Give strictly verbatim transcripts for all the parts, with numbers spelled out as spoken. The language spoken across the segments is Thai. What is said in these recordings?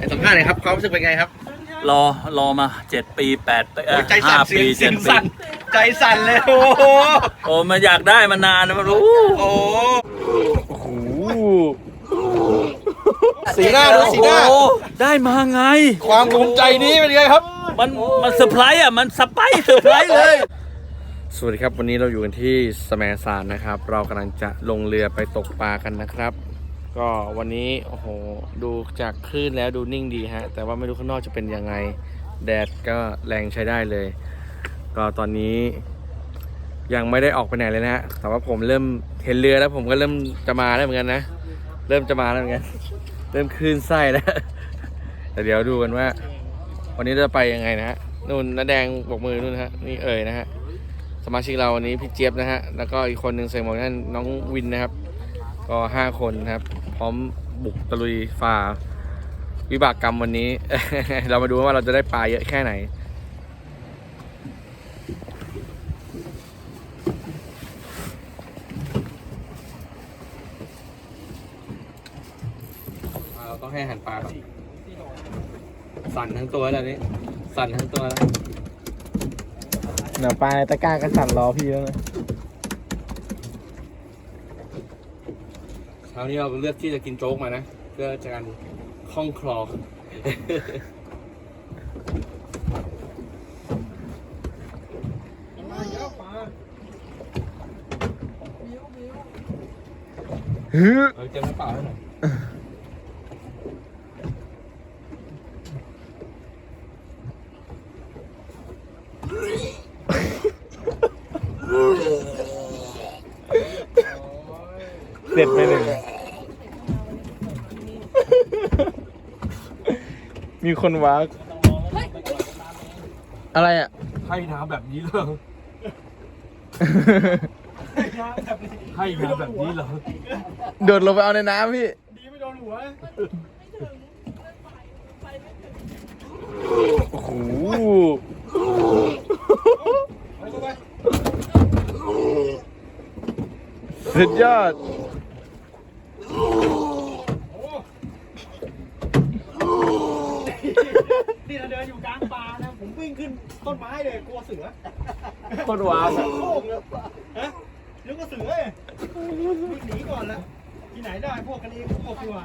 สัมภาษณ์หน่อยครับความรู้สึกเป็นไงครับรอรอมาเจ็ดปีแปดปีใจสั่นห้าเสียปีงเสีเจ็ยดงปีสั่นใจสั่นเลยโอ้โหโอ้มันอยากได้มานานนะมันรู้โอ้โหสีหน้าดูสีหน้าโอ้ได้มาไงความภูมิใจนี้เป็นไงครับมันมันเซอร์ไพรส์อ่ะมันสไปซ์เซอร์ไพรส์เลยสวัสดีครับวันนี้เราอยู่กันที่แสมสารนะครับ เรากำลังจะลงเรือไปตกปลากันนะครับ ก็วันนี้โอ้โหดูจากคลื่นแล้วดูนิ่งดีฮะแต่ว่าไม่รู้ข้างนอกจะเป็นยังไงแดดก็แรงใช้ได้เลย ก็ตอนนี้ยังไม่ได้ออกไปไหนเลยนะฮะแต่ว่าผมเริ่มเห็นเรือแล้วผมก็เริ่มจะมาแล้วเหมือนกันนะเริ่มจะมาแล้วเหมือนกันเริ่มคลื่นไส้แล้วแต่เดี๋ยวดูกันว่าวันนี้จะไปยังไงนะฮะนู่นน้าแดงบอกมือนู่นฮะนี่เอ่ยนะฮะสมาชิกเราวันนี้พี่เจี๊ยบนะฮะแล้วก็อีกคนหนึ่งใส่หมวกนั่นน้องวินนะครับก็ห้าคนนะครับพร้อมบุกตะลุยฝ่าวิบากกรรมวันนี้ เรามาดูว่าเราจะได้ปลาเยอะแค่ไหนเราต้องให้อาหารปลาก่อนสั่นทั้งตัวแล้วนี่สั่นทั้งตัวแล้วเดี๋ยวปลาในตะกร้าก็สั่นรอพี่แล้วนะเช้านี้เราเลือกที่จะกินโจ๊กมานะเพื่อจะการคล่องคลอฮึเออเจอน้ำเปล่าให้หน่อยเสร็จไปหนึ่งมีคนวักอะไรอ่ะให้น้ำแบบนี้เหรอให้น้ำแบบนี้เหรอโดดลงไปเอาในน้ำพี่โอ้โหสุดยอดนี่เราเดินอยู่กลางป่านะผมวิ่งขึ้นต้นไม้เลยกลัวเสือคนว้าวโค้งเลยฮะนึกว่าเสือเลยวิ่งหนีก่อนละที่ไหนได้พวกกันเองพวกดีกว่า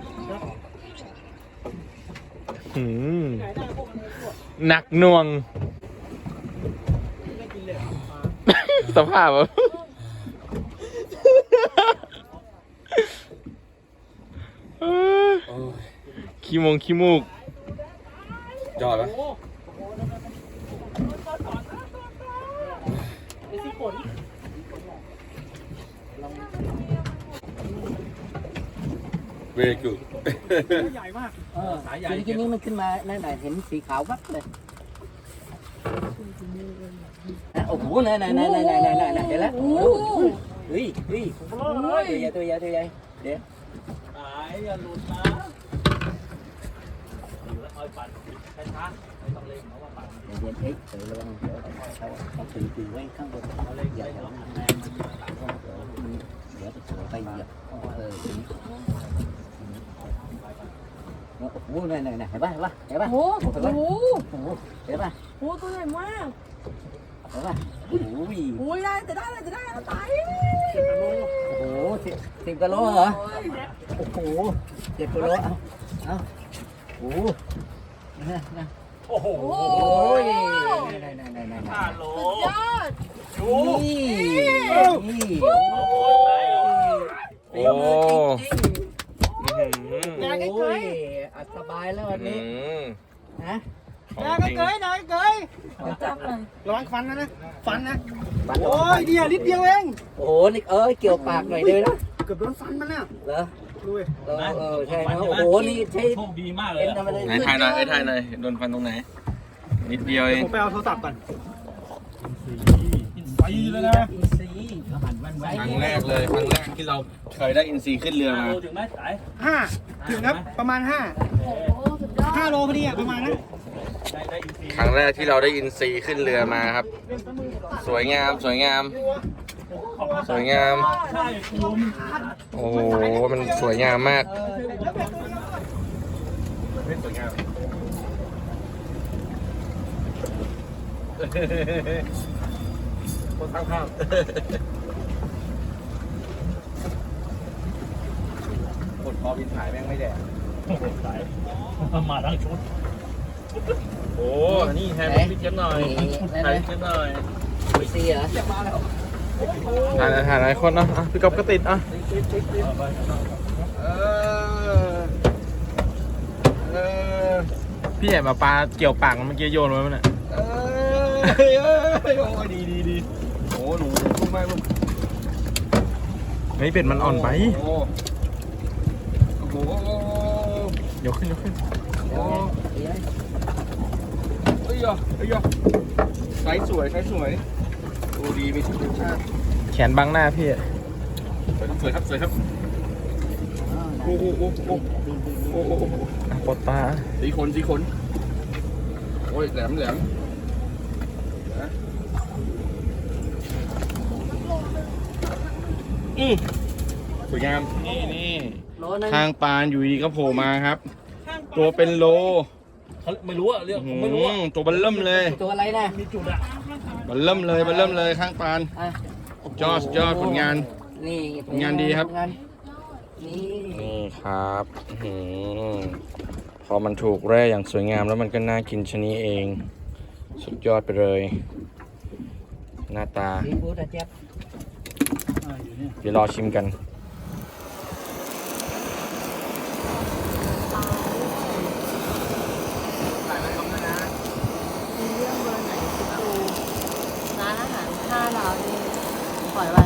หืมที่ไหนได้พวกกันเองพวกหนักหน่วงไม่กินเลยปลาสภาพแบบขี้มงขี้มูกยอดไหมโอ้ไอ้ที่ฝนเวกุใหญ่มากเออทีนี้นี้มันขึ้นมานั่นน่ะเห็นสีขาววับเลยอ่ะโอ้โหนั่นนั่นนั่นนั่นนั่นนั่นเดี๋ยวแล้วเฮ้ยเฮ้ยตัวใหญ่ตัวใหญ่ตัวใหญ่เดี๋ยวตายอย่าหลุดนะอยู่แล้วคอยปั่นช้าๆไม่ต้องเร่งเพราะว่าปั่นเดี๋ยวเอ๊ะเดี๋ยวระวังเดี๋ยวเขาเขาถือถือไว้ข้างบนเขาเลยอย่าอย่าทำงานมันเดี๋ยวจะไปเหยียบเอออย่างนี้โอ้โหนั่นนั่นเห็นป่ะเห็นป่ะเห็นป่ะโอ้โหเห็นป่ะโอ้โหโอ้โหเห็นป่ะโอ้โหตัวใหญ่มากเห็นป่ะโอ้โหโอ้ยได้แต่ได้แต่ได้แล้วตายโอ้โหสิบสิบกิโลเหรอ โอ้โหเจ็ดกิโลเอาเอาโอ้โหนะนะโอ้โหโอ้ยนั่นนั่นนั่นนั่นห้าโลยอดนี่นี่โอ้โอ้โอ้ยอัดสบายแล้ววันนี้นะนายก็เกยนายก็เกยจับเลยระวังฟันนะนะฟันนะโอ้ยเดียวนิดเดียวเองโอ้โหนี่เอ้ยเกี่ยวปากหน่อยด้วยนะเกือบโดนฟันมันน่ะเหรอดูดิเออเออใช่นะโอ้โหนี่ใช้โชคดีมากเลเอ็ยนทำอะไรไหนถ่ายหน่อยเอ้ยถ่ายหน่อยโดนฟันตรงไหนนิดเดียวเองผมไปเอาโทรศัพท์ก่อนไปเลยนะอินซีเขาหันวันไว้ครั้งแรกเลยครั้งแรกที่เราเคยได้อินซีขึ้นเรือห้ามาโลถึงไหมสายห้าถึงครับประมาณห้าโอ้โหสุดยอดห้าโลพอดีอะประมาณนั้นได้ได้อินซีครั้งแรกที่เราได้อินซีขึ้นเรือมาครับ สวยงามสวยงาม สวยงามใช่คุณโอ้โหมันสวยงามมากเให้สวยงามคนสร้างภาพกดพอบินถ่ายแม่งไม่แดดสายมาทั้งชุดโอ้นี่แทนพี่เจี๊ยบหน่อยถ่ายพี่เจี๊ยบหน่อยมีซีเหรอถ่ายถ่ายหลายคนเนาะอ่ะพี่ก๊อฟก็ติดอ่ะเออเออพี่ใหญ่มาปลาเกี่ยวปากมันเมื่อกี้โยนไว้มันอ่ะเออโอ้ยดีดีดีโอ้หนูลูกมากลูกเฮ้ยเป็ดมันอ่อนไปโอ้โหยกขึ้นยกขึ้นโอ้เอ้ยอ่ะเอ้ยอ่ะไซส์สวยไซส์สวยดูดีมีคุณชาติแขนบังหน้าพี่อะสวยครับสวยครับสวยครับโอ้โหโอ้โหโอ้โหอ่ะปลดปลาสีขนสีขนโอ้ยแหลมแหลมนะอือสวยงามนี่นี่โลนึงทางปานอยู่ดีก็โผล่มาครับ ตัวเป็นโลเขาไม่รู้อะเรื่องผมไม่รู้อะอืมตัวบันเริ่มเลยตัวอะไรนะมีจุดอะบันเริ่มเลยบันเริ่มเลยข้างปานอ่ะยอดยอดผลงานนี่ผลงานดีครับผลงานนี่นี่ครับอื้อหือพอมันถูกแร่อย่างสวยงามแล้วมันก็น่ากินชะนี้เอง สุดยอดไปเลย หน้าตาซีฟู้ดอะเจี๊ยบอ่าอยู่เนี่ยเดี๋ยวรอชิมกันมีเรื่องเบอร์ไหนคิดดูร้านอาหารห้าดาวนี่ปล่อยไป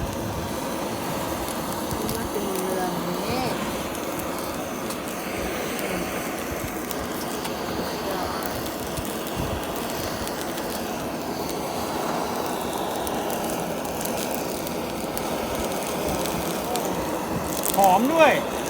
มาเป็นเรือนนี้หอมด้วย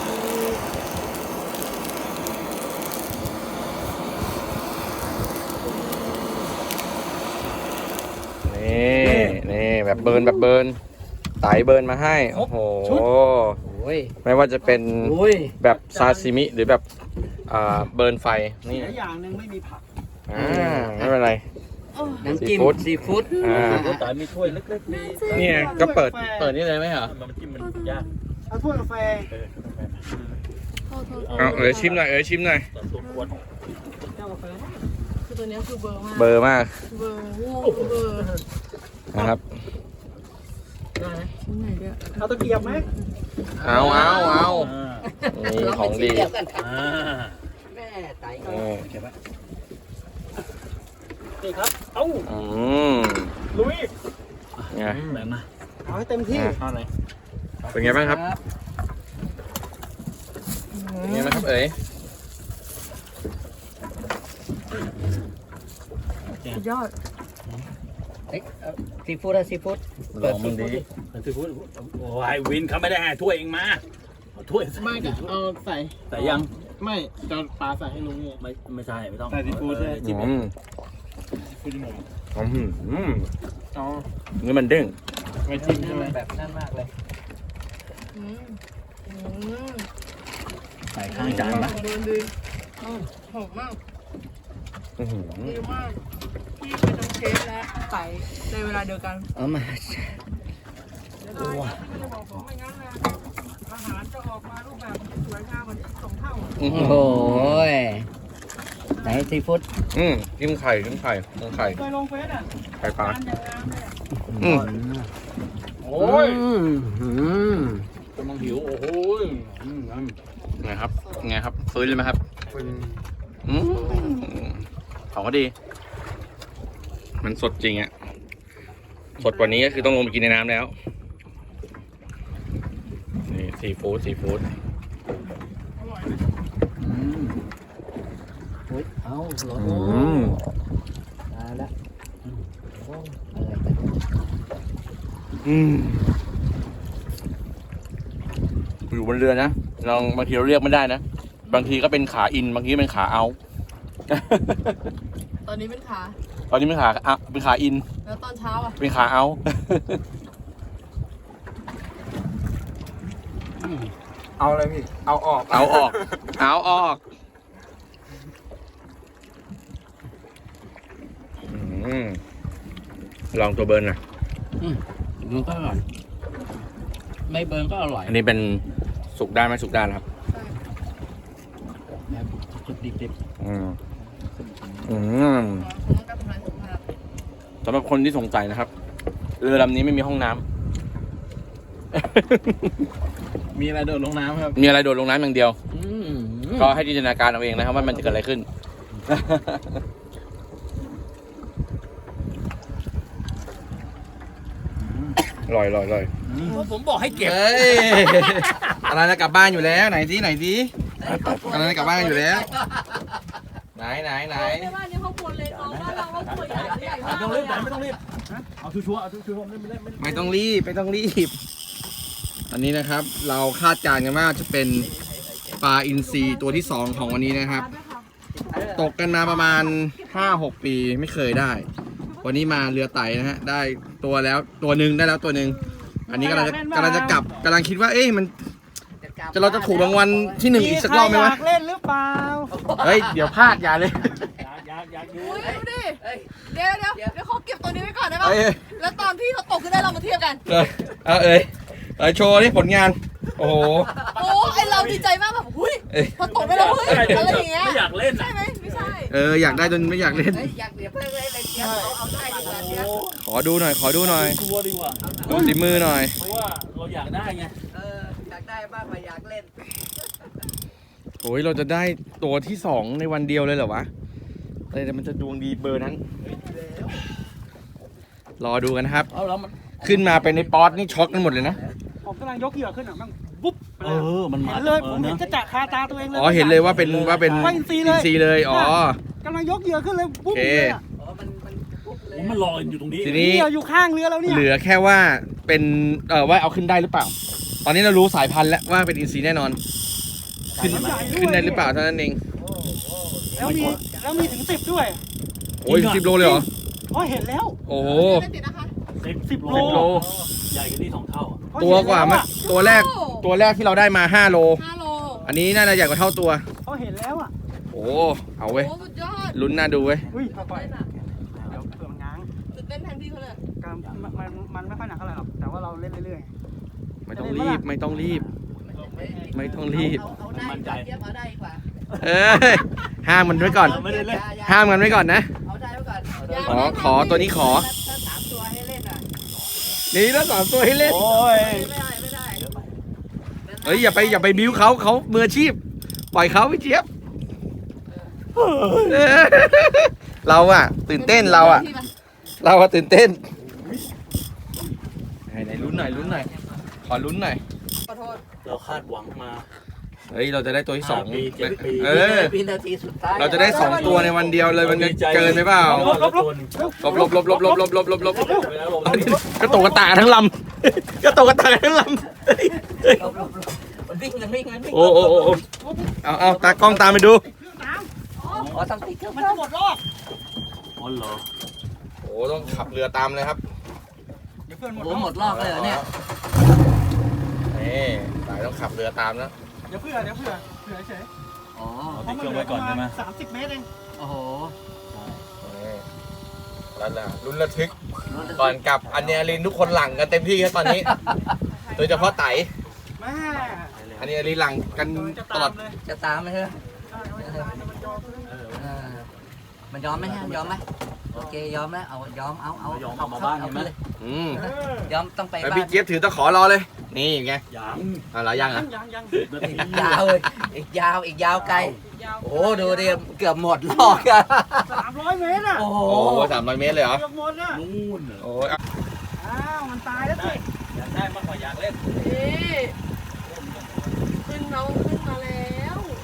นี่นี่แบบเบิร์นแบบเบิร์นไตเบิร์นมาให้ โอ้โหโอ้ยไม่ว่าจะเป็นโอ้ยแบบซาซิมิหรือแบบอ่าเบิร์นไฟ นี่เสียอย่างหนึ่งไม่มีผักอ่าไม่เป็นไรน้ำจิ้มซีฟู้ดซีฟู้ดอ่าแต่มีถ้วยเล็กๆมีเนี่ยก็เปิด เปิดนี่เลยไหมเหรอมันจิ้มมันยากเอาถ้วยกาแฟเออโทษโทษเอาเอ๋ยชิมหน่อยเอ๋ยชิมหน่อยแต่ตัวควรเจ้ากาแฟคือตัวเนี้ยคือเบอร์มากเบอร์มากเบอร์ง่วงเบอร์นะครับได้ไหมชิ้นไหนเดียวเอาตะเกียบไหมเอาเอาเอาอ่านี่ของดีเราไปชิมเยวกันครับอ่าแม่ไตก็นี่เก็บไว้นี่ครับ เอ้าอืมลุยไงแบ่งมาเอาให้เต็มที่เอาไหนเป็นไงบ้างครับเป็นไงบ้างครับเอ๋ยสุดยอดเอ้ยเอาซีฟู้ดอะซีฟู้ดลองมันดีคือพูดโอ้ยวินเขาไม่ได้ให้ถ้วยเองมาเอาถ้วยไม่ก็เอาใส่แต่ยังไม่จะปลาใส่ให้ลุงเนี่ยไม่ไม่ใช่ไม่ต้องใส่ซีฟู้ดใช่ไหมจิ้มอืมคุณหมูอืมอืมอ๋อนี่มันเด้งไม่จิ้มใช่ไหมแบบนั่นมากเลยอืมอืมใส่ข้างจานปะเดินดีอืมหอมมากอื้อหือดีมากที่เป็นทั้งเชฟและไก่ในเวลาเดียวกันเอามาอาหารจะออกมารูปแบบสวยงามกว่านี้สองเท่าอื้อโอ้หืโหอยไหนซีฟู้ดอืมจิ้มไข่จิ้มไข่จิ้มไข่เคยลงเฟซอ่ะไข่ปลาจานอย่างงามเลยอะอืมโอ้ยอืมกำลังหิวโอ้โหอืมงั้นไงครับไงครับฟื้นเลยไหมครับอืมของก็ดี มันสดจริงอ่ะ สดกว่านี้ก็คือต้องลงไปกินในน้ำแล้ว นี่ซีฟู้ดซีฟู้ดอืมอุ๊ยเอาโหลอืมตายละอืมโอ้อะไรกันอืมอยู่บนเรือนะลองบางทีเราเรียกไม่ได้นะ บางทีก็เป็นขาอิน บางทีก็เป็นขาเอาตอนนี้เป็นขาตอนนี้เป็นขาอ่ะเป็นขาอินแล้วตอนเช้าอ่ะเป็นขาเอาเอาอะไรพี่ เอาออกเอาออก เอาออกอืมลองตัวเบิร์นหน่อยมันก็อร่อยไม่เบิร์นก็อร่อยอันนี้เป็นสุกด้านไหมสุกด้านครับแบบสุกดิบอืมอืมสำหรับคนที่สงสัยนะครับเรือลำนี้ไม่มีห้องน้ำมีอะไรโดดลงน้ำครับมีอะไรโดดลงน้ำอย่างเดียวๆอืมก็ให้จินตนาการเอาเองนะครับว่ามันจะเกิดอะไรขึ้น อร่อยอร่อยอร่อยผมบอกให้เก็บเฮ้ยอะไรจะกลับบ้านอยู่แล้วไหนสิไหนสิอะไรจะกลับบ้านอยู่แล้ว ไหนไหนไหนในบ้านนี้เขาควรเลยน้องบ้านเราก็ควรใหญ่ใหญ่ไม่มากต้องเลรียบไม่ต้องรีบเอาชัวร์ๆเอาชัวร์ๆไม่ไม่ไม่ไม่ต้องรีบไม่ต้องรีบ อันนี้นะครับ เราคาดการณ์กันว่าจะเป็นปลาอินทรีตัวที่สองของวันนี้นะครับ ตกกันมาประมาณ ห้าหก ปีไม่เคยได้ วันนี้มาเรือไต่นะฮะได้ตัวแล้วตัวหนึ่งได้แล้วตัวหนึ่งอันนี้กำลังจะกำลังจะกลับกำลังคิดว่าเอ๊ะมันจะเราจะถูกรางวัลที่หนึ่งอีกสักรอบไหมวะใคอยากเล่นหรือเปล่าเฮ้ยเดี๋ยวพลาดอย่าเลยอยากอยากอยู่อุ้ยดูดิ เดี๋ยวเดี๋ยวเดี๋ยวเขาเก็บตัวนี้ไว้ก่อนได้ปะเอ้ยแล้วตอนพี่เขาตกขึ้นได้เรามาเทียบกันเอ้ยเอาเอ้ยเอ้ยโชว์นี่ผลงาน โอ้โหโอ้ไอเราดีใจมากแบบหุ้ยเอ้ยพอตกไปแล้วเฮ้ยอะไรอย่างเงี้ยไม่อยากเล่นใช่อ่ะไหมไม่ใช่เอออยากได้จนไม่อยากเล่นเฮ้ยอยากเดี๋ยวเพิ่งเลยเลยเดี๋ยวเอาเอาได้ดีกว่าเดี๋ยวขอดูหน่อยขอดูหน่อยชัวร์ดีกว่าดูสีมือหน่อยเพราะว่าเราอยากได้ไงเอออยากได้บ้างมาอยากเล่นโอ้ยเราจะได้ตัวที่สองในวันเดียวเลยเหรอวะอะไรแต่มันจะดวงดีเบอร์นั้น รอดูกันนะครับเอาแล้วมันขึ้นมาเป็นในป๊อตนี่ช็อกกันหมดเลยนะผมกำลังยกเหยื่อขึ้นอ่ะมันบุ๊บไปเอเลยอมันมาเห็นเลยผมเห็นจะจะคาตาตัวเองเลยอ๋อเห็นเลยว่าเป็นว่าเป็นว่าอินทรีเลยอินทรีเลย อ๋อกำลังยกเหยื่อขึ้นเลยบุ๊บโอเคเลยอะอ๋อมันมันปุ๊บเลยผมมันลอยอยู่ตรงนี้ทีเหนี้ยื่ออยู่ข้างเรือแล้วเนี่ยเหลือแค่ว่าเป็นเออว่าเอาขึ้นได้หรือเปล่า ตอนนี้เรารู้สายพันธุ์แล้วว่าเป็นอินทรีแน่นอน ขึ้นขึ้นได้หรือเปล่าเท่านั้นเองแล้วมีแล้วมีถึงสิบด้วยโอ้ยสิบโลเลยเหรอเพราะเห็นแล้วโอ้โหไม่ติดนะคะสิบสิบโลสิบโลใหญ่กันนี่สองเท่าอะเพระตัวกว่าเห็นมาแล้อะตัวแรกตัวแรกที่เราได้มาห้าโลห้าโลอันนี้น่าจะใหญ่กว่าเท่าตัวเขาเห็นแล้วอ่ะโอ้เอาเว้ยโอ้สุดยอดลุ้นน่าดูเว้ยอุ้ยค่อยๆเดี๋ยวเผื่อมันง้างตื่นเต้นแทนพี่เขาเลยการมันมันมันไม่ค่อยหนักเท่าไหร่หรอกแต่ว่าเราเล่นเรื่อยไม่ต้องรีบไม่ต้องรีบ ไม่ต้องรีบเอาเอาได้ดีกว่าเทียบเอาได้ดีกว่าเอ้ยห้ามมันไว้ก่อนไม่ได้เล่นห้ามกันไว้ก่อนนะเอาได้ไว้ก่อนขอขอตัวนี้ขอถ้าสามตัวให้เล่นอ่ะนี่แล้วสามตัวให้เล่นโอ้ยไม่ได้ไม่ได้เฮ้ยอย่าไปอย่าไปบิ้วเขาเขามืออาชีพ ปล่อยเขาพี่เจี๊ยบเออเราอะตื่นเต้นเราอะเราอะตื่นเต้นไหนไหนลุ้นหน่อยลุ้นหน่อยขอลุ้นหน่อยขอโทษเราคาดหวังมาเฮ้ยเราจะได้ตัวที่สองห้าปีเจ็ดปีเออวินาทีสุดท้ายเราจะได้สองตัวในวันเดียวเลยมันจะเกินไปเปล่าลบลบลบลบลบลบลบลบลบลบลบลบเวลาลบกระโตกกระตากทั้งลำกระโตกกระตากทั้งลำเฮ้ยเฮ้ยลบลบลบมันวิ่งมันวิ่งมันวิ่งโอ้โอ้โอ้โอ้เอาเอาตากล้องตามไปดูขอทำติ๊กเกอร์ๆมัมัน นจะหมดรอบอ๋อเหรอโอ้ต้องขับเรือตามเลยครับเดี๋ยวเพื่อนหมดโอ้รอบหมดรอบเลยเหรอเนี่ยนี่สายต้องขับเรือตามนะเดี๋ยวเพื่อเดี๋ยวเพื่อเผื่อเฉยอ๋อเอาติดเครื่องไว้ก่อนใช่ไหมสามสิบเมตรเองโอ้โหนี่แล้วล่ะลุ้นระทึกก่อนกลับอันเนียลินทุกคนหลังกันเต็มที่ครับตอนนี้ โดยเฉพาะไตแม่อันนี้ลินหลังกันจะตลตาอดมเลยจะตามไหมใช่ไหมใช่มันจะตามเลยมันยอมเลยเออมันยอมไหมฮะยอมไหมโอเคยอมแล้วเอายอมเอาเอายอมเอาเอามาบ้านเอาเห็นไหมเลยอืมเออยอมต้องไปแล้วบ้าพี่นเจี๊ยบถือตะขอรอเลย นี่ไงยังเอาละยังยัอ่ะงยังยังนาทีอีกยาวเลยอีกยาวอีกยาวไกลโอ้โหดูดิเกือบหมดรอบกันสามร้อยเมตรอ่ะโอ้โหโอ้โหสามร้อยเมตรเลยเหรอเกือบหมดอ่ะนู่นเหรอโอ้ยอ่ะอ้าวมันตายแล้วสิอยากได้มากกว่าอยากเล่นนี่ขึ้นน้องขึ้นมาแล้ว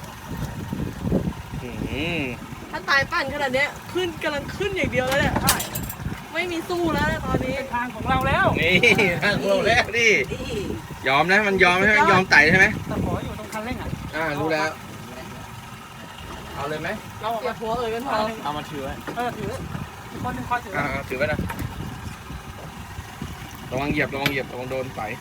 อืมถ้าตายปั่นขนาดเนี้ยขึ้นกำลังขึ้นอย่างเดียวแล้วเนี่ยไม่มีสู้แล้วเนี่ยตอนนี้เป็นทางของเราแล้วนี่ทางเราแล้วดินี่ยอมนะมันยอมใช่ไหมยอมไต่ใช่ไหมตะขออยู่ตรงคันเร่งอ่ะอ่ารู้แล้ว เอาเลยไหมเราออกเก็มาบหัวเอ่ยกันพอเอามาถือไว้เออถืออีกคนหนึงคอยถืออ่าถือไว้นะระวังเหยียบระวังเหยียบระวังโดนไต่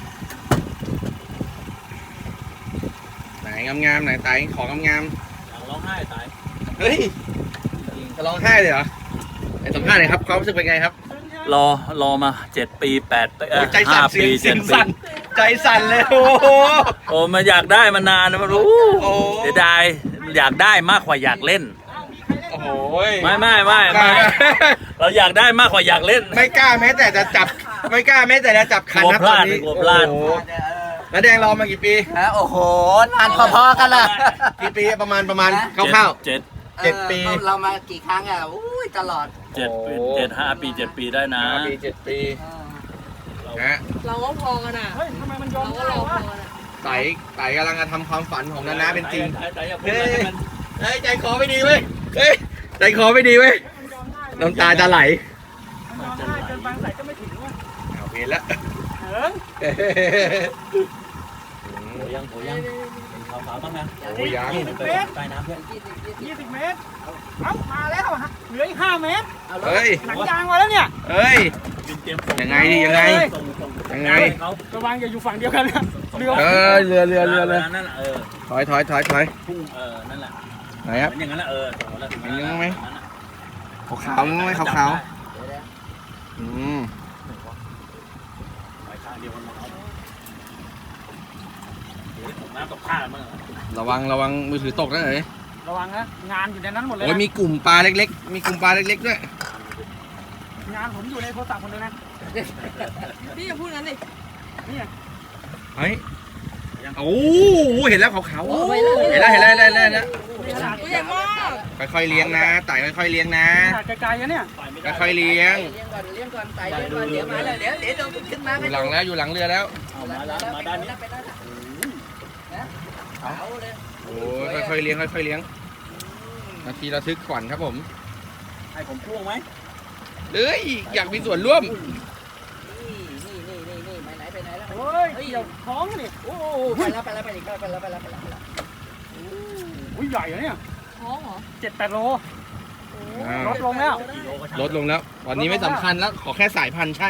ไหนงามๆไหนไต่ของงามอยากร้องไห้ตายๆเฮ้ยจะร้องไห้เลยเหรอในสัมภาษณ์หน่อยครับความรู้สึกเป็นไงครับรอรอมาเจ็ดปีแปดปีเอ่อใจห้าสั่นเสีปียงเสีเจ็ยดงปีสั่นใจสั่นเลยโอ้โหโอ้มาอยากได้มานานนะมันรู้โอ้เสียดายอยากได้มากกว่าอยากเล่นโอ้โหไม่ไม่ไม่ไม่เราอยากได้มากกว่าอยากเล่นไม่กล้าแม้แต่จะจับไม่กล้าแม้แต่จะจับคันกลัวนะพตอลาน ดนี้กลัวพลาดโอ้โหแล้วแดงรอมากี่ปีฮะโอ้โหนานพอๆกันละกี่ปีประมาณประมาณคร่าวเจ็ดเจ็ดปีออเรามากี่ครั้งอ่ะอุ้ยตลอดเจ็ดปีโอ้เจ็ดห้าปีเจ็ดปีได้ๆนะห้าปีเจ็ดปีนะเราก็พอกันอ่ะเฮ้ยทำไมมันยอเรามก็ได้รอพวะอกันอ่ะไต่ไต่กำลังจะทำความฝันของนานาเป็นจริงแต่อย่าพูดเฮ้อะไรยให้มันเฮ้ยใจคอไม่ดีเว้ยเฮ้ยใจคอไม่ดีเว้ยน้ำตาจะไหลมันยอมได้เกินไปใส่ก็ไม่ถึงว่ะเอาเห็นแล้วเหิงโหยังโหยังเป็นขาวๆบ้างนะโอ้ยยังยี่สิบเมตรใต้น้ำเพื่อนยี่สิบเมตรเอ้ามาแล้วฮะเหลืออีกห้าเมตรเฮ้ยหนังยางมาแล้วเนี่ยเฮ้ยบินเตรียมส่ยังไงดิยังไงส่งส่งยังไงเขาระวังอย่าอยู่ฝั่งเดียวกันนะเรือเออเรือเรือเรือเลยนั่นแหละเออถอยถอยถอยถอยพุ่งเออนั่นแหละไหนครับมันอย่างนั้นแหละเออส่งมาแล้วถึงอย่างนั้นไหมนั่นน่ะขาวขาวๆไหมขาวขาวๆอืมไปข้างเดียวกันหมดเอาเดี๋ยวตกน้ำตกท่ามั้งเหรอระวังระวังมือถือตกนะเอ๋ยระวังนะงานอยู่ในนั้นหมดเลยโอ้ยนะมีกลุ่มปลาเล็กๆ มีกลุ่มปลาเล็กๆด้วยงานผมอยู่ในโทรศัพท์หมดเลยนะพี่อย่าพูดงั้นดินี่เฮ้ยโอ้โหเห็นแล้วขาวขาวโอ้ยเห็นแล้วเห็นแล้วเห็นแล้วเห็นแล้วเห็นแล้วตัวใหญ่มากค่อยๆเลี้ยงนะไต่ค่อยๆเลี้ยงนะขนาดไกลๆอะเนี่ยไปไม่ได้ค่อยๆเลี้ยงเลี้ยงก่อนเลี้ยงก่อนไต่เลี้ยงก่อนเดี๋ยวมาแล้วเดี๋ยวเดี๋ยวเราขึ้นมาอยู่หลังแล้วอยู่หลังเรือแล้วเอามาแล้วมาด้านนี้ไปด้านนี้นะเอาเลยโอ้ยค่อยๆเลี้ยงค่อยๆเลี้ยงนาทีระทึกขวัญครับผมให้ผมพ่วงไหมเอ้ยอยากมีส่วนร่วมนี่นี่นี่นี่นี่ไปไหนไปไหนแล้วโอ้ยเกี่ยวท้องนี่โอ้ไปแล้วไปแล้วไปอีกไปแล้วไปแล้วไปแล้วไปแล้วอุ้ยใหญ่อะเนี่ยท้องเหรอเจ็ดแปดโลอ่าลดลงแล้วกิโลก็ช่างลดลงแล้วตอนนี้ไม่สำคัญแล้วขอแค่สายพันธุ์ใช่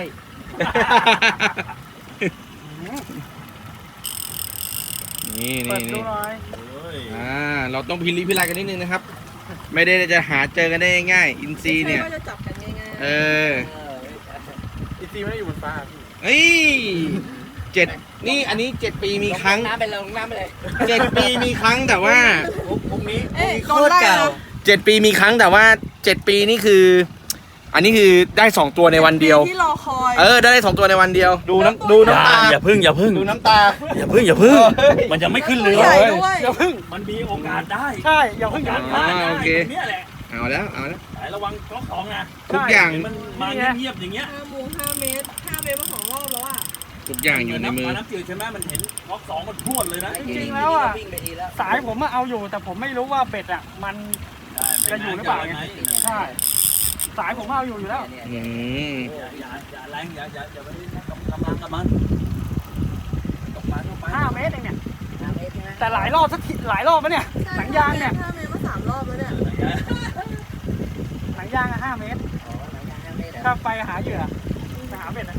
นี่เปินี่ดดูนี่หน่อยเฮ้ยอ่าเราต้องพิลิพิลายกันนิดนึงนะครับ ไม่ได้จะหาเจอกันได้ง่ายๆอินซีย์เนี่ยไม่ใช่ว่าจะจับกันง่ายๆเอออีซีไม่ได้อยู่บนฟ้าพี่เฮ้ยเจ็ดนี่อันนี้เจ็ดปีมีครั้งน้ำไปลงน้ำไปเลยเจ็ดปีมีครั้งแต่ว่าพรุ่งนี้เอ้ยโดนไล่นะเจ็ดปีมีครั้งแต่ว่าเจ็ดปีนี่คือ อันนี้คือได้สองตัวในวันเดียวที่รอคอยเออได้สองตัวในวันเดียว ดูน้ำดูอย่าน้ำตาอย่าพึ่งอย่าพึ่งดูน้ำตาอย่าพึ่งอย่าพึ่งมันยังไม่ขึ้นเรือใหญ่ด้วยอย่าพึ่งมันมีโอกาสได้ใช่อย่าพึ่งอย่าอ่าพึ่งโอเคเนี่ยแหละเอาแล้วเอาแล้วแต่ระวังก๊อกสองนะทุกอย่างมันมาเงียบๆอย่างเงี้ยห้าโมงห้าเมตรห้าเมตรมาสองรอบแล้วอ่ะทุกอย่างอยู่ในมือน้ำน้ำจืดใช่ไหมมันเห็นก๊อกสองมันพรวดเลยนะวิ่งไปดีแล้วสายผมอะเอาอยู่แต่ผมไม่รู้ว่าเบ็ดอะมัน จะอยู่หรือเปล่าไง ใช่ สายผมเอาอยู่อยู่แล้วอืมอย่าอย่าอย่าแรงอย่าอย่าอย่าไปกำลังกับมันตกปลาตกปลาห้าเมตรเองเนี่ย แต่หลายรอบสักทีหลายรอบปะเนี่ย หนังยางเนี่ยห้าเมตรมาสามรอบแล้วเนี่ยหนังยางอะห้าเมตร ถ้าไปหาเหยื่อไปหาเบ็ดอะ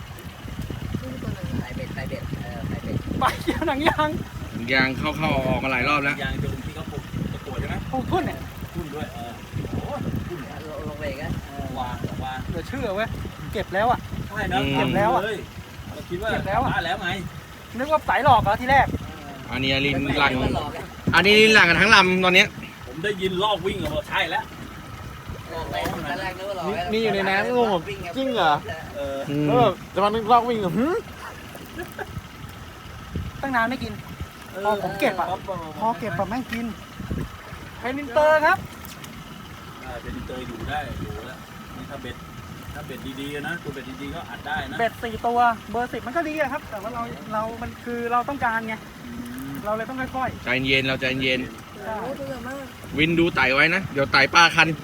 ไปเบ็ดไปเบ็ดเออไปเบ็ดไปเกี่ยวหนังยางยางเข้าเข้าออกมาหลายรอบแล้วยางจะเป็นที่เขาปลูกตะกั่วใช่ไหมปลูกทุ่นเนี่ยทุ่นด้วยเออโอ้ทุ่นลงไปกันวางวางเหลือเชื่อเว้ย เก็บแล้วอะใช่นะอืมเก็บแล้วอ่ะเราคิดว่าเก็บแล้วอะปาแล้วไงนึกว่าสายหลอกเหรอทีแรกอันนี้ลินหลังอันนี้ลินหลังกันทั้งลำตอนเนี้ยผมได้ยินลอกวิ่งออกมาใช่แล้วนี่อยู่ในน้ำงงจริงเหรอเอออืมเออจะมานึกลอกวิ่งเหรอหึตั้งนานไม่กิน พอผมเก็บอะ พอเก็บแบบไม่กินเป็นอินเตอร์ครับได้เป็นอินเตอร์อยู่ได้อยู่แล้วนี่ถ้าเบ็ดถ้าเบ็ดดีๆนะตัวเบ็ดดีๆก็อัดได้นะเบ็ดสี่ตัว เบอร์สิบมันก็ดีอะครับ แต่ว่าเรา เรา มันคือเราต้องการไง เราเลยต้องค่อยใจเย็นเราใจเย็นๆใช่โอ้ตัวใหญ่มากวินดูไต่ไว้นะ เดี๋ยวไต่ป้าคัน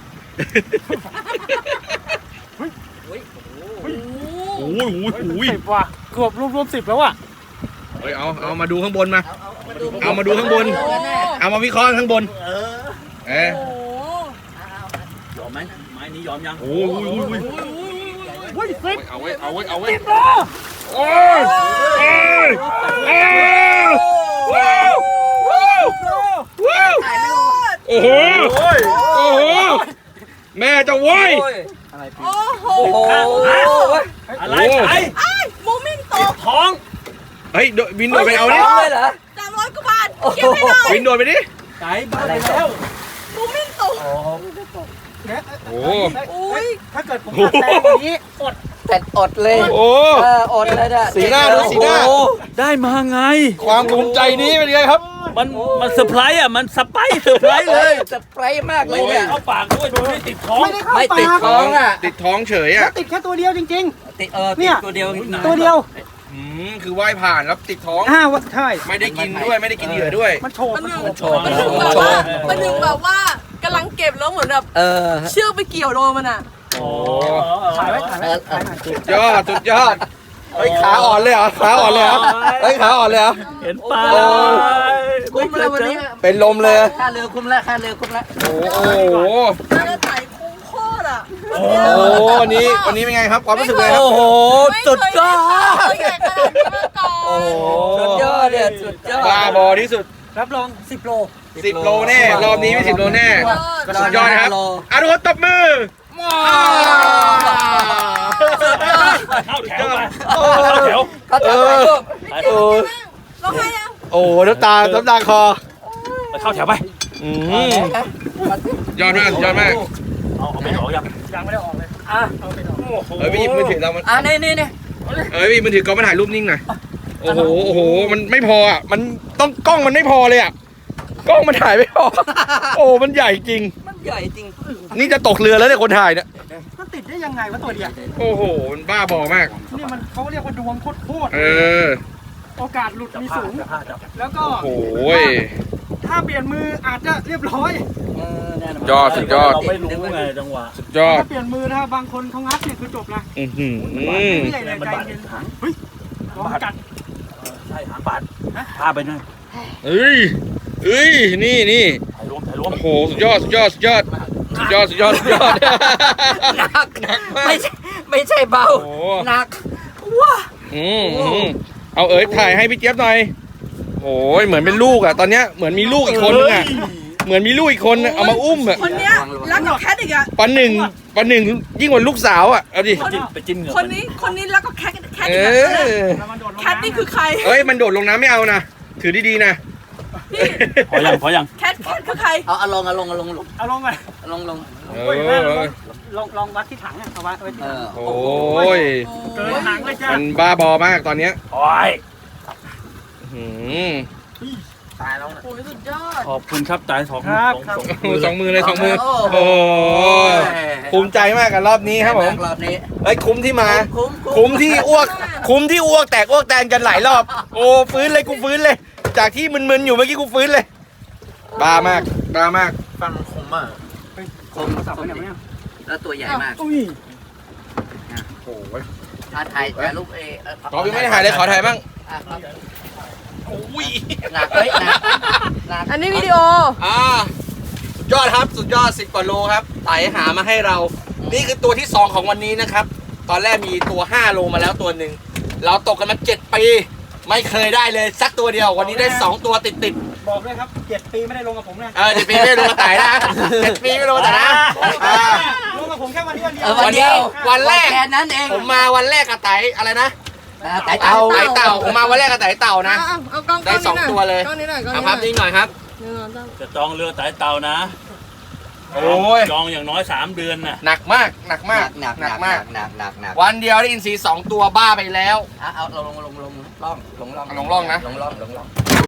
โอ้โอ้ยโอ้ยโอ้ยสิบว่ะเกือบรวมรวมสิบแล้วอ่ะเฮ้ยเอาเอามาดูข้างบนมาเอามาดูเอามาดูข้างบน เอามาวิเคราะห์ข้างบนเออเออโหยอมไหมไม้นี้ยอมยังโอ้ยโอ้ยโอ้ยเฮ้ยสิบเอาไว้เอาไว้เอาไว้สิบโลโอ้ยโอ้ยโอ้ยว้าวว้าวว้าวโอ้โหโอ้โหแม่จะโว้ยโอ้ยโอ้โหโอ้โหอะไรไอ้ไอ้โมเมนต์ตกท้องเฮ้ยโดดวินโดดไปเอาดิเลยเหรอสามร้อยกว่าบาทเก็บให้หน่อยวินโดดไปดิไก่บ้าไปแล้วโมเมนต์ตกโอ้อุ้ยถ้าเกิดผมตัดแรงกว่านี้อดแต่อดเลยโอ้เอออดเลยเนี่ยสีหน้าดูสีหน้าโอ้ได้มาไงความภูมิใจนี้เป็นไงครับมันมันเซอร์ไพรส์อ่ะมันสไปซ์เซอร์ไพรส์เลยจะไพรส์มากเลยเนี่ยเข้าปากด้วยดูไม่ติดท้องไม่ได้เข้าไม่ปาติดกท้องอ่ะติดท้องเฉยแล้วอ่ะติดแค่ตัวเดียวจริงติดเออเนี่ติดยตัวเดียวๆ ตัวเดียวอืมคือว่ายผ่านแล้วติดท้องอ้าวใช่ไม่ได้กินด้วยไม่ได้กินเหยื่อด้วยมันโฉบมันมันถึงโฉบมันถึงแบบว่ามันถึงแบบว่ากำลังเก็บแล้วเหมือนแบบเออเชือกไปเกี่ยวโดนมันอ่ะโอ้ถ่ายไว้ถ่ายเอไว้อเอถ่ายอหน่อยสุดยอดสุดยอดเฮ้ยขาอ่อนเลยเหรอขาอ่อนเลยเหรอเฮ้ยขาอ่อนเลยเหรอเห็นปลาโอ้คุ้มแล้ววันนี้เป็นลมเลยค่าเรือคุ้มแล้วค่าเรือคุ้มแล้วโอ้โหมันจะไต่คุ้มโคตรอ่ะโอ้โหวันนี้วันนี้เป็นไงครับความรู้สึกเลยครับโอ้โหสุดยอดไม่เคยเห็นตัวใหญ่ขนาดนี้มาก่อนโอ้โหสุดยอดเนี่ยสุดยอดบ้าบอที่สุดรับรองสิบโลสิบโลแน่รอบนี้ไม่สิบโลแน่สุดยอดนะครับอ่ะทุกคนตบมือเข้าแถวไปเข้าแถวเขาจะไปรูปโอ้ร้องไห้ยังโอ้น้ำตาน้ำตาคอไปเข้าแถวไปอืมยอดมากยอดมากเอาเอาไม่ออกยังยังไม่ได้ออกเลยอ่ะเอ้ยพี่หยิบมือถือเรามันอ่ะนี่นี่นี่เอ้ยพี่มือถือกล้องมาถ่ายรูปนิ่งหน่อยโอ้โหโอ้โหมันไม่พออ่ะมันต้องกล้องมันไม่พอเลยอ่ะกล้องมันถ่ายไม่พอโอ้มันใหญ่จริงมันใหญ่จริงนี่จะตกเรือแล้วเนี่ยคนถ่ายเนี่ยมันติดได้ยังไงวะตัวเดียวโอ้โหมันบ้าบอมากนี่มันเขาเรียกว่าดวงโคตรเออๆโอกาสหลุดมีสูงจับผ้าจับแล้วก็โอ้โหยถ้าเปลี่ยนมืออาจจะเรียบร้อยเออแน่นอนยอดสุดยอดเราไม่รู้ไงจังหวะสุดยอดถ้าเปลี่ยนมือนะบางคนเขางัดเนี่ยคือจบนะอือหือไม่ใหญ่เลยมันใจบาดเย็นหางเฮ้ยลองกัดใช่หางบาดพาไปหน่อยเอ้ยเอ้ยนี่นี่ถ่ายรวมถ่ายรวมโอ้โหสุดยอดสุดยอดสุดยอดสุดยอดสุดยอดสุดยอดหนักหนักมากไม่ใช่ไม่ใช่เบาโอ้หนักว้าอืมอืมเอาเอ๋ยถ่ายให้พี่เจี๊ยบหน่อยโอ้ยเหมือนเป็นลูกอ่ะตอนเนี้ยเหมือนมีลูกอีกคนนึงอ่ะเหมือนมีลูกอีกคนน่ะเอามาอุ้มอ่ะคนเนี้ยรักกับแคทอีกอ่ะปันหนึ่งปันหนึ่งยิ่งกว่าลูกสาวอ่ะเอาดิจิ้มไปจิ้มเหงื่อคนนี้คนนี้รักกับแคทแคทเออีกอ่ะอแล้วมันโดดลงแคทนี่คือใครเอ้ยมันโดดลงน้ำไม่เอานะถือดีๆนะพี่พอยังพอยังแคทแคทคือใครเอาเอาลงเอาลงเอาลงลงเอาลงไปเอาลงลงเอโอ้ยแม่ลอองลองลองวัดที่ถังเนี่ยเอาไว้เอาไว้ที่เอถังอโอ้ยเกินถังเลยจ้ามันบ้าบอมากตอนเนี้ยโอ้ยหืมตายแล้วนะโอ้ยสุดยอดขอบคุณครับตายสองครับสองโอ้โหสองมือเลยสองมือโอ้โอ้โหภูมิใจมากกับรอบนี้ครับผมรอบนี้เอ้ยคุ้มที่มาคุ้มคุ้มที่อ้วก คุ้มที่อ้วกแตกอ้วกแตนกันหลายรอบ โอ้ฟื้นเลยกูฟื้นเลย จากที่มึนๆอยู่เมื่อกี้กูฟื้นเลยบ้ามากบ้ามากฟังคมมากคมโทรศัพท์ไปไหนวะเนี่ยแล้วตัวใหญ่มากอุ้ยโอ้ยถ่ายถ่ายถ่ายรูปเอเขอพี่ไม่ได้ถ่ายเลยขอถ่ายบ้างอ่ะครับอุ้ยหนักเฮ้ยหนักหนักอันนี้วิดีโออ่าสุดยอดครับสุดยอดสิบกว่าโลครับไต่หามาให้เรา นี่คือตัวที่สองของวันนี้นะครับ ตอนแรกมีตัวห้าโลมาแล้วตัวหนึ่งเราตกกันมาเจ็ดปี ไม่เคยได้เลยสักตัวเดียว วันนี้ได้สองตัวติดติดบอกด้วยครับเจ็ดปีไม่ได้ลงกับผมนะๆเออเจ็ดปีไม่ได้ลงมาไต่นะเจ็ดปีไม่ลงมาไต่นะอ่าลงกับผมแค่วันนี้วันเดียวเออวันเดียววันแรกแค่นั้นเองผมมาวันแรกกับไต่อะไรนะอ่าไต่เต่าเต่าไต่เต่าผมมาวันแรกกับไต่เต่านะเอาเอากล้องได้สองตัวเลยกล้องนี้หน่อยกล้องเอานี้ภาพหน่อยนิ่งหน่อยครับหนึ่งสองสามจะจองเรือไต่เต่านะโอ้ยจองอย่างน้อยสามเดือนน่ะหนักมากหนักหมานักกหนักหหนันักกมากหนักหนักหนักวันเดียวได้อินทรีสองตัวบ้าไปแล้วอ่ะเอาลงลงลงลงล่องลงล่องลงร่องนะลงล่องลงล่อง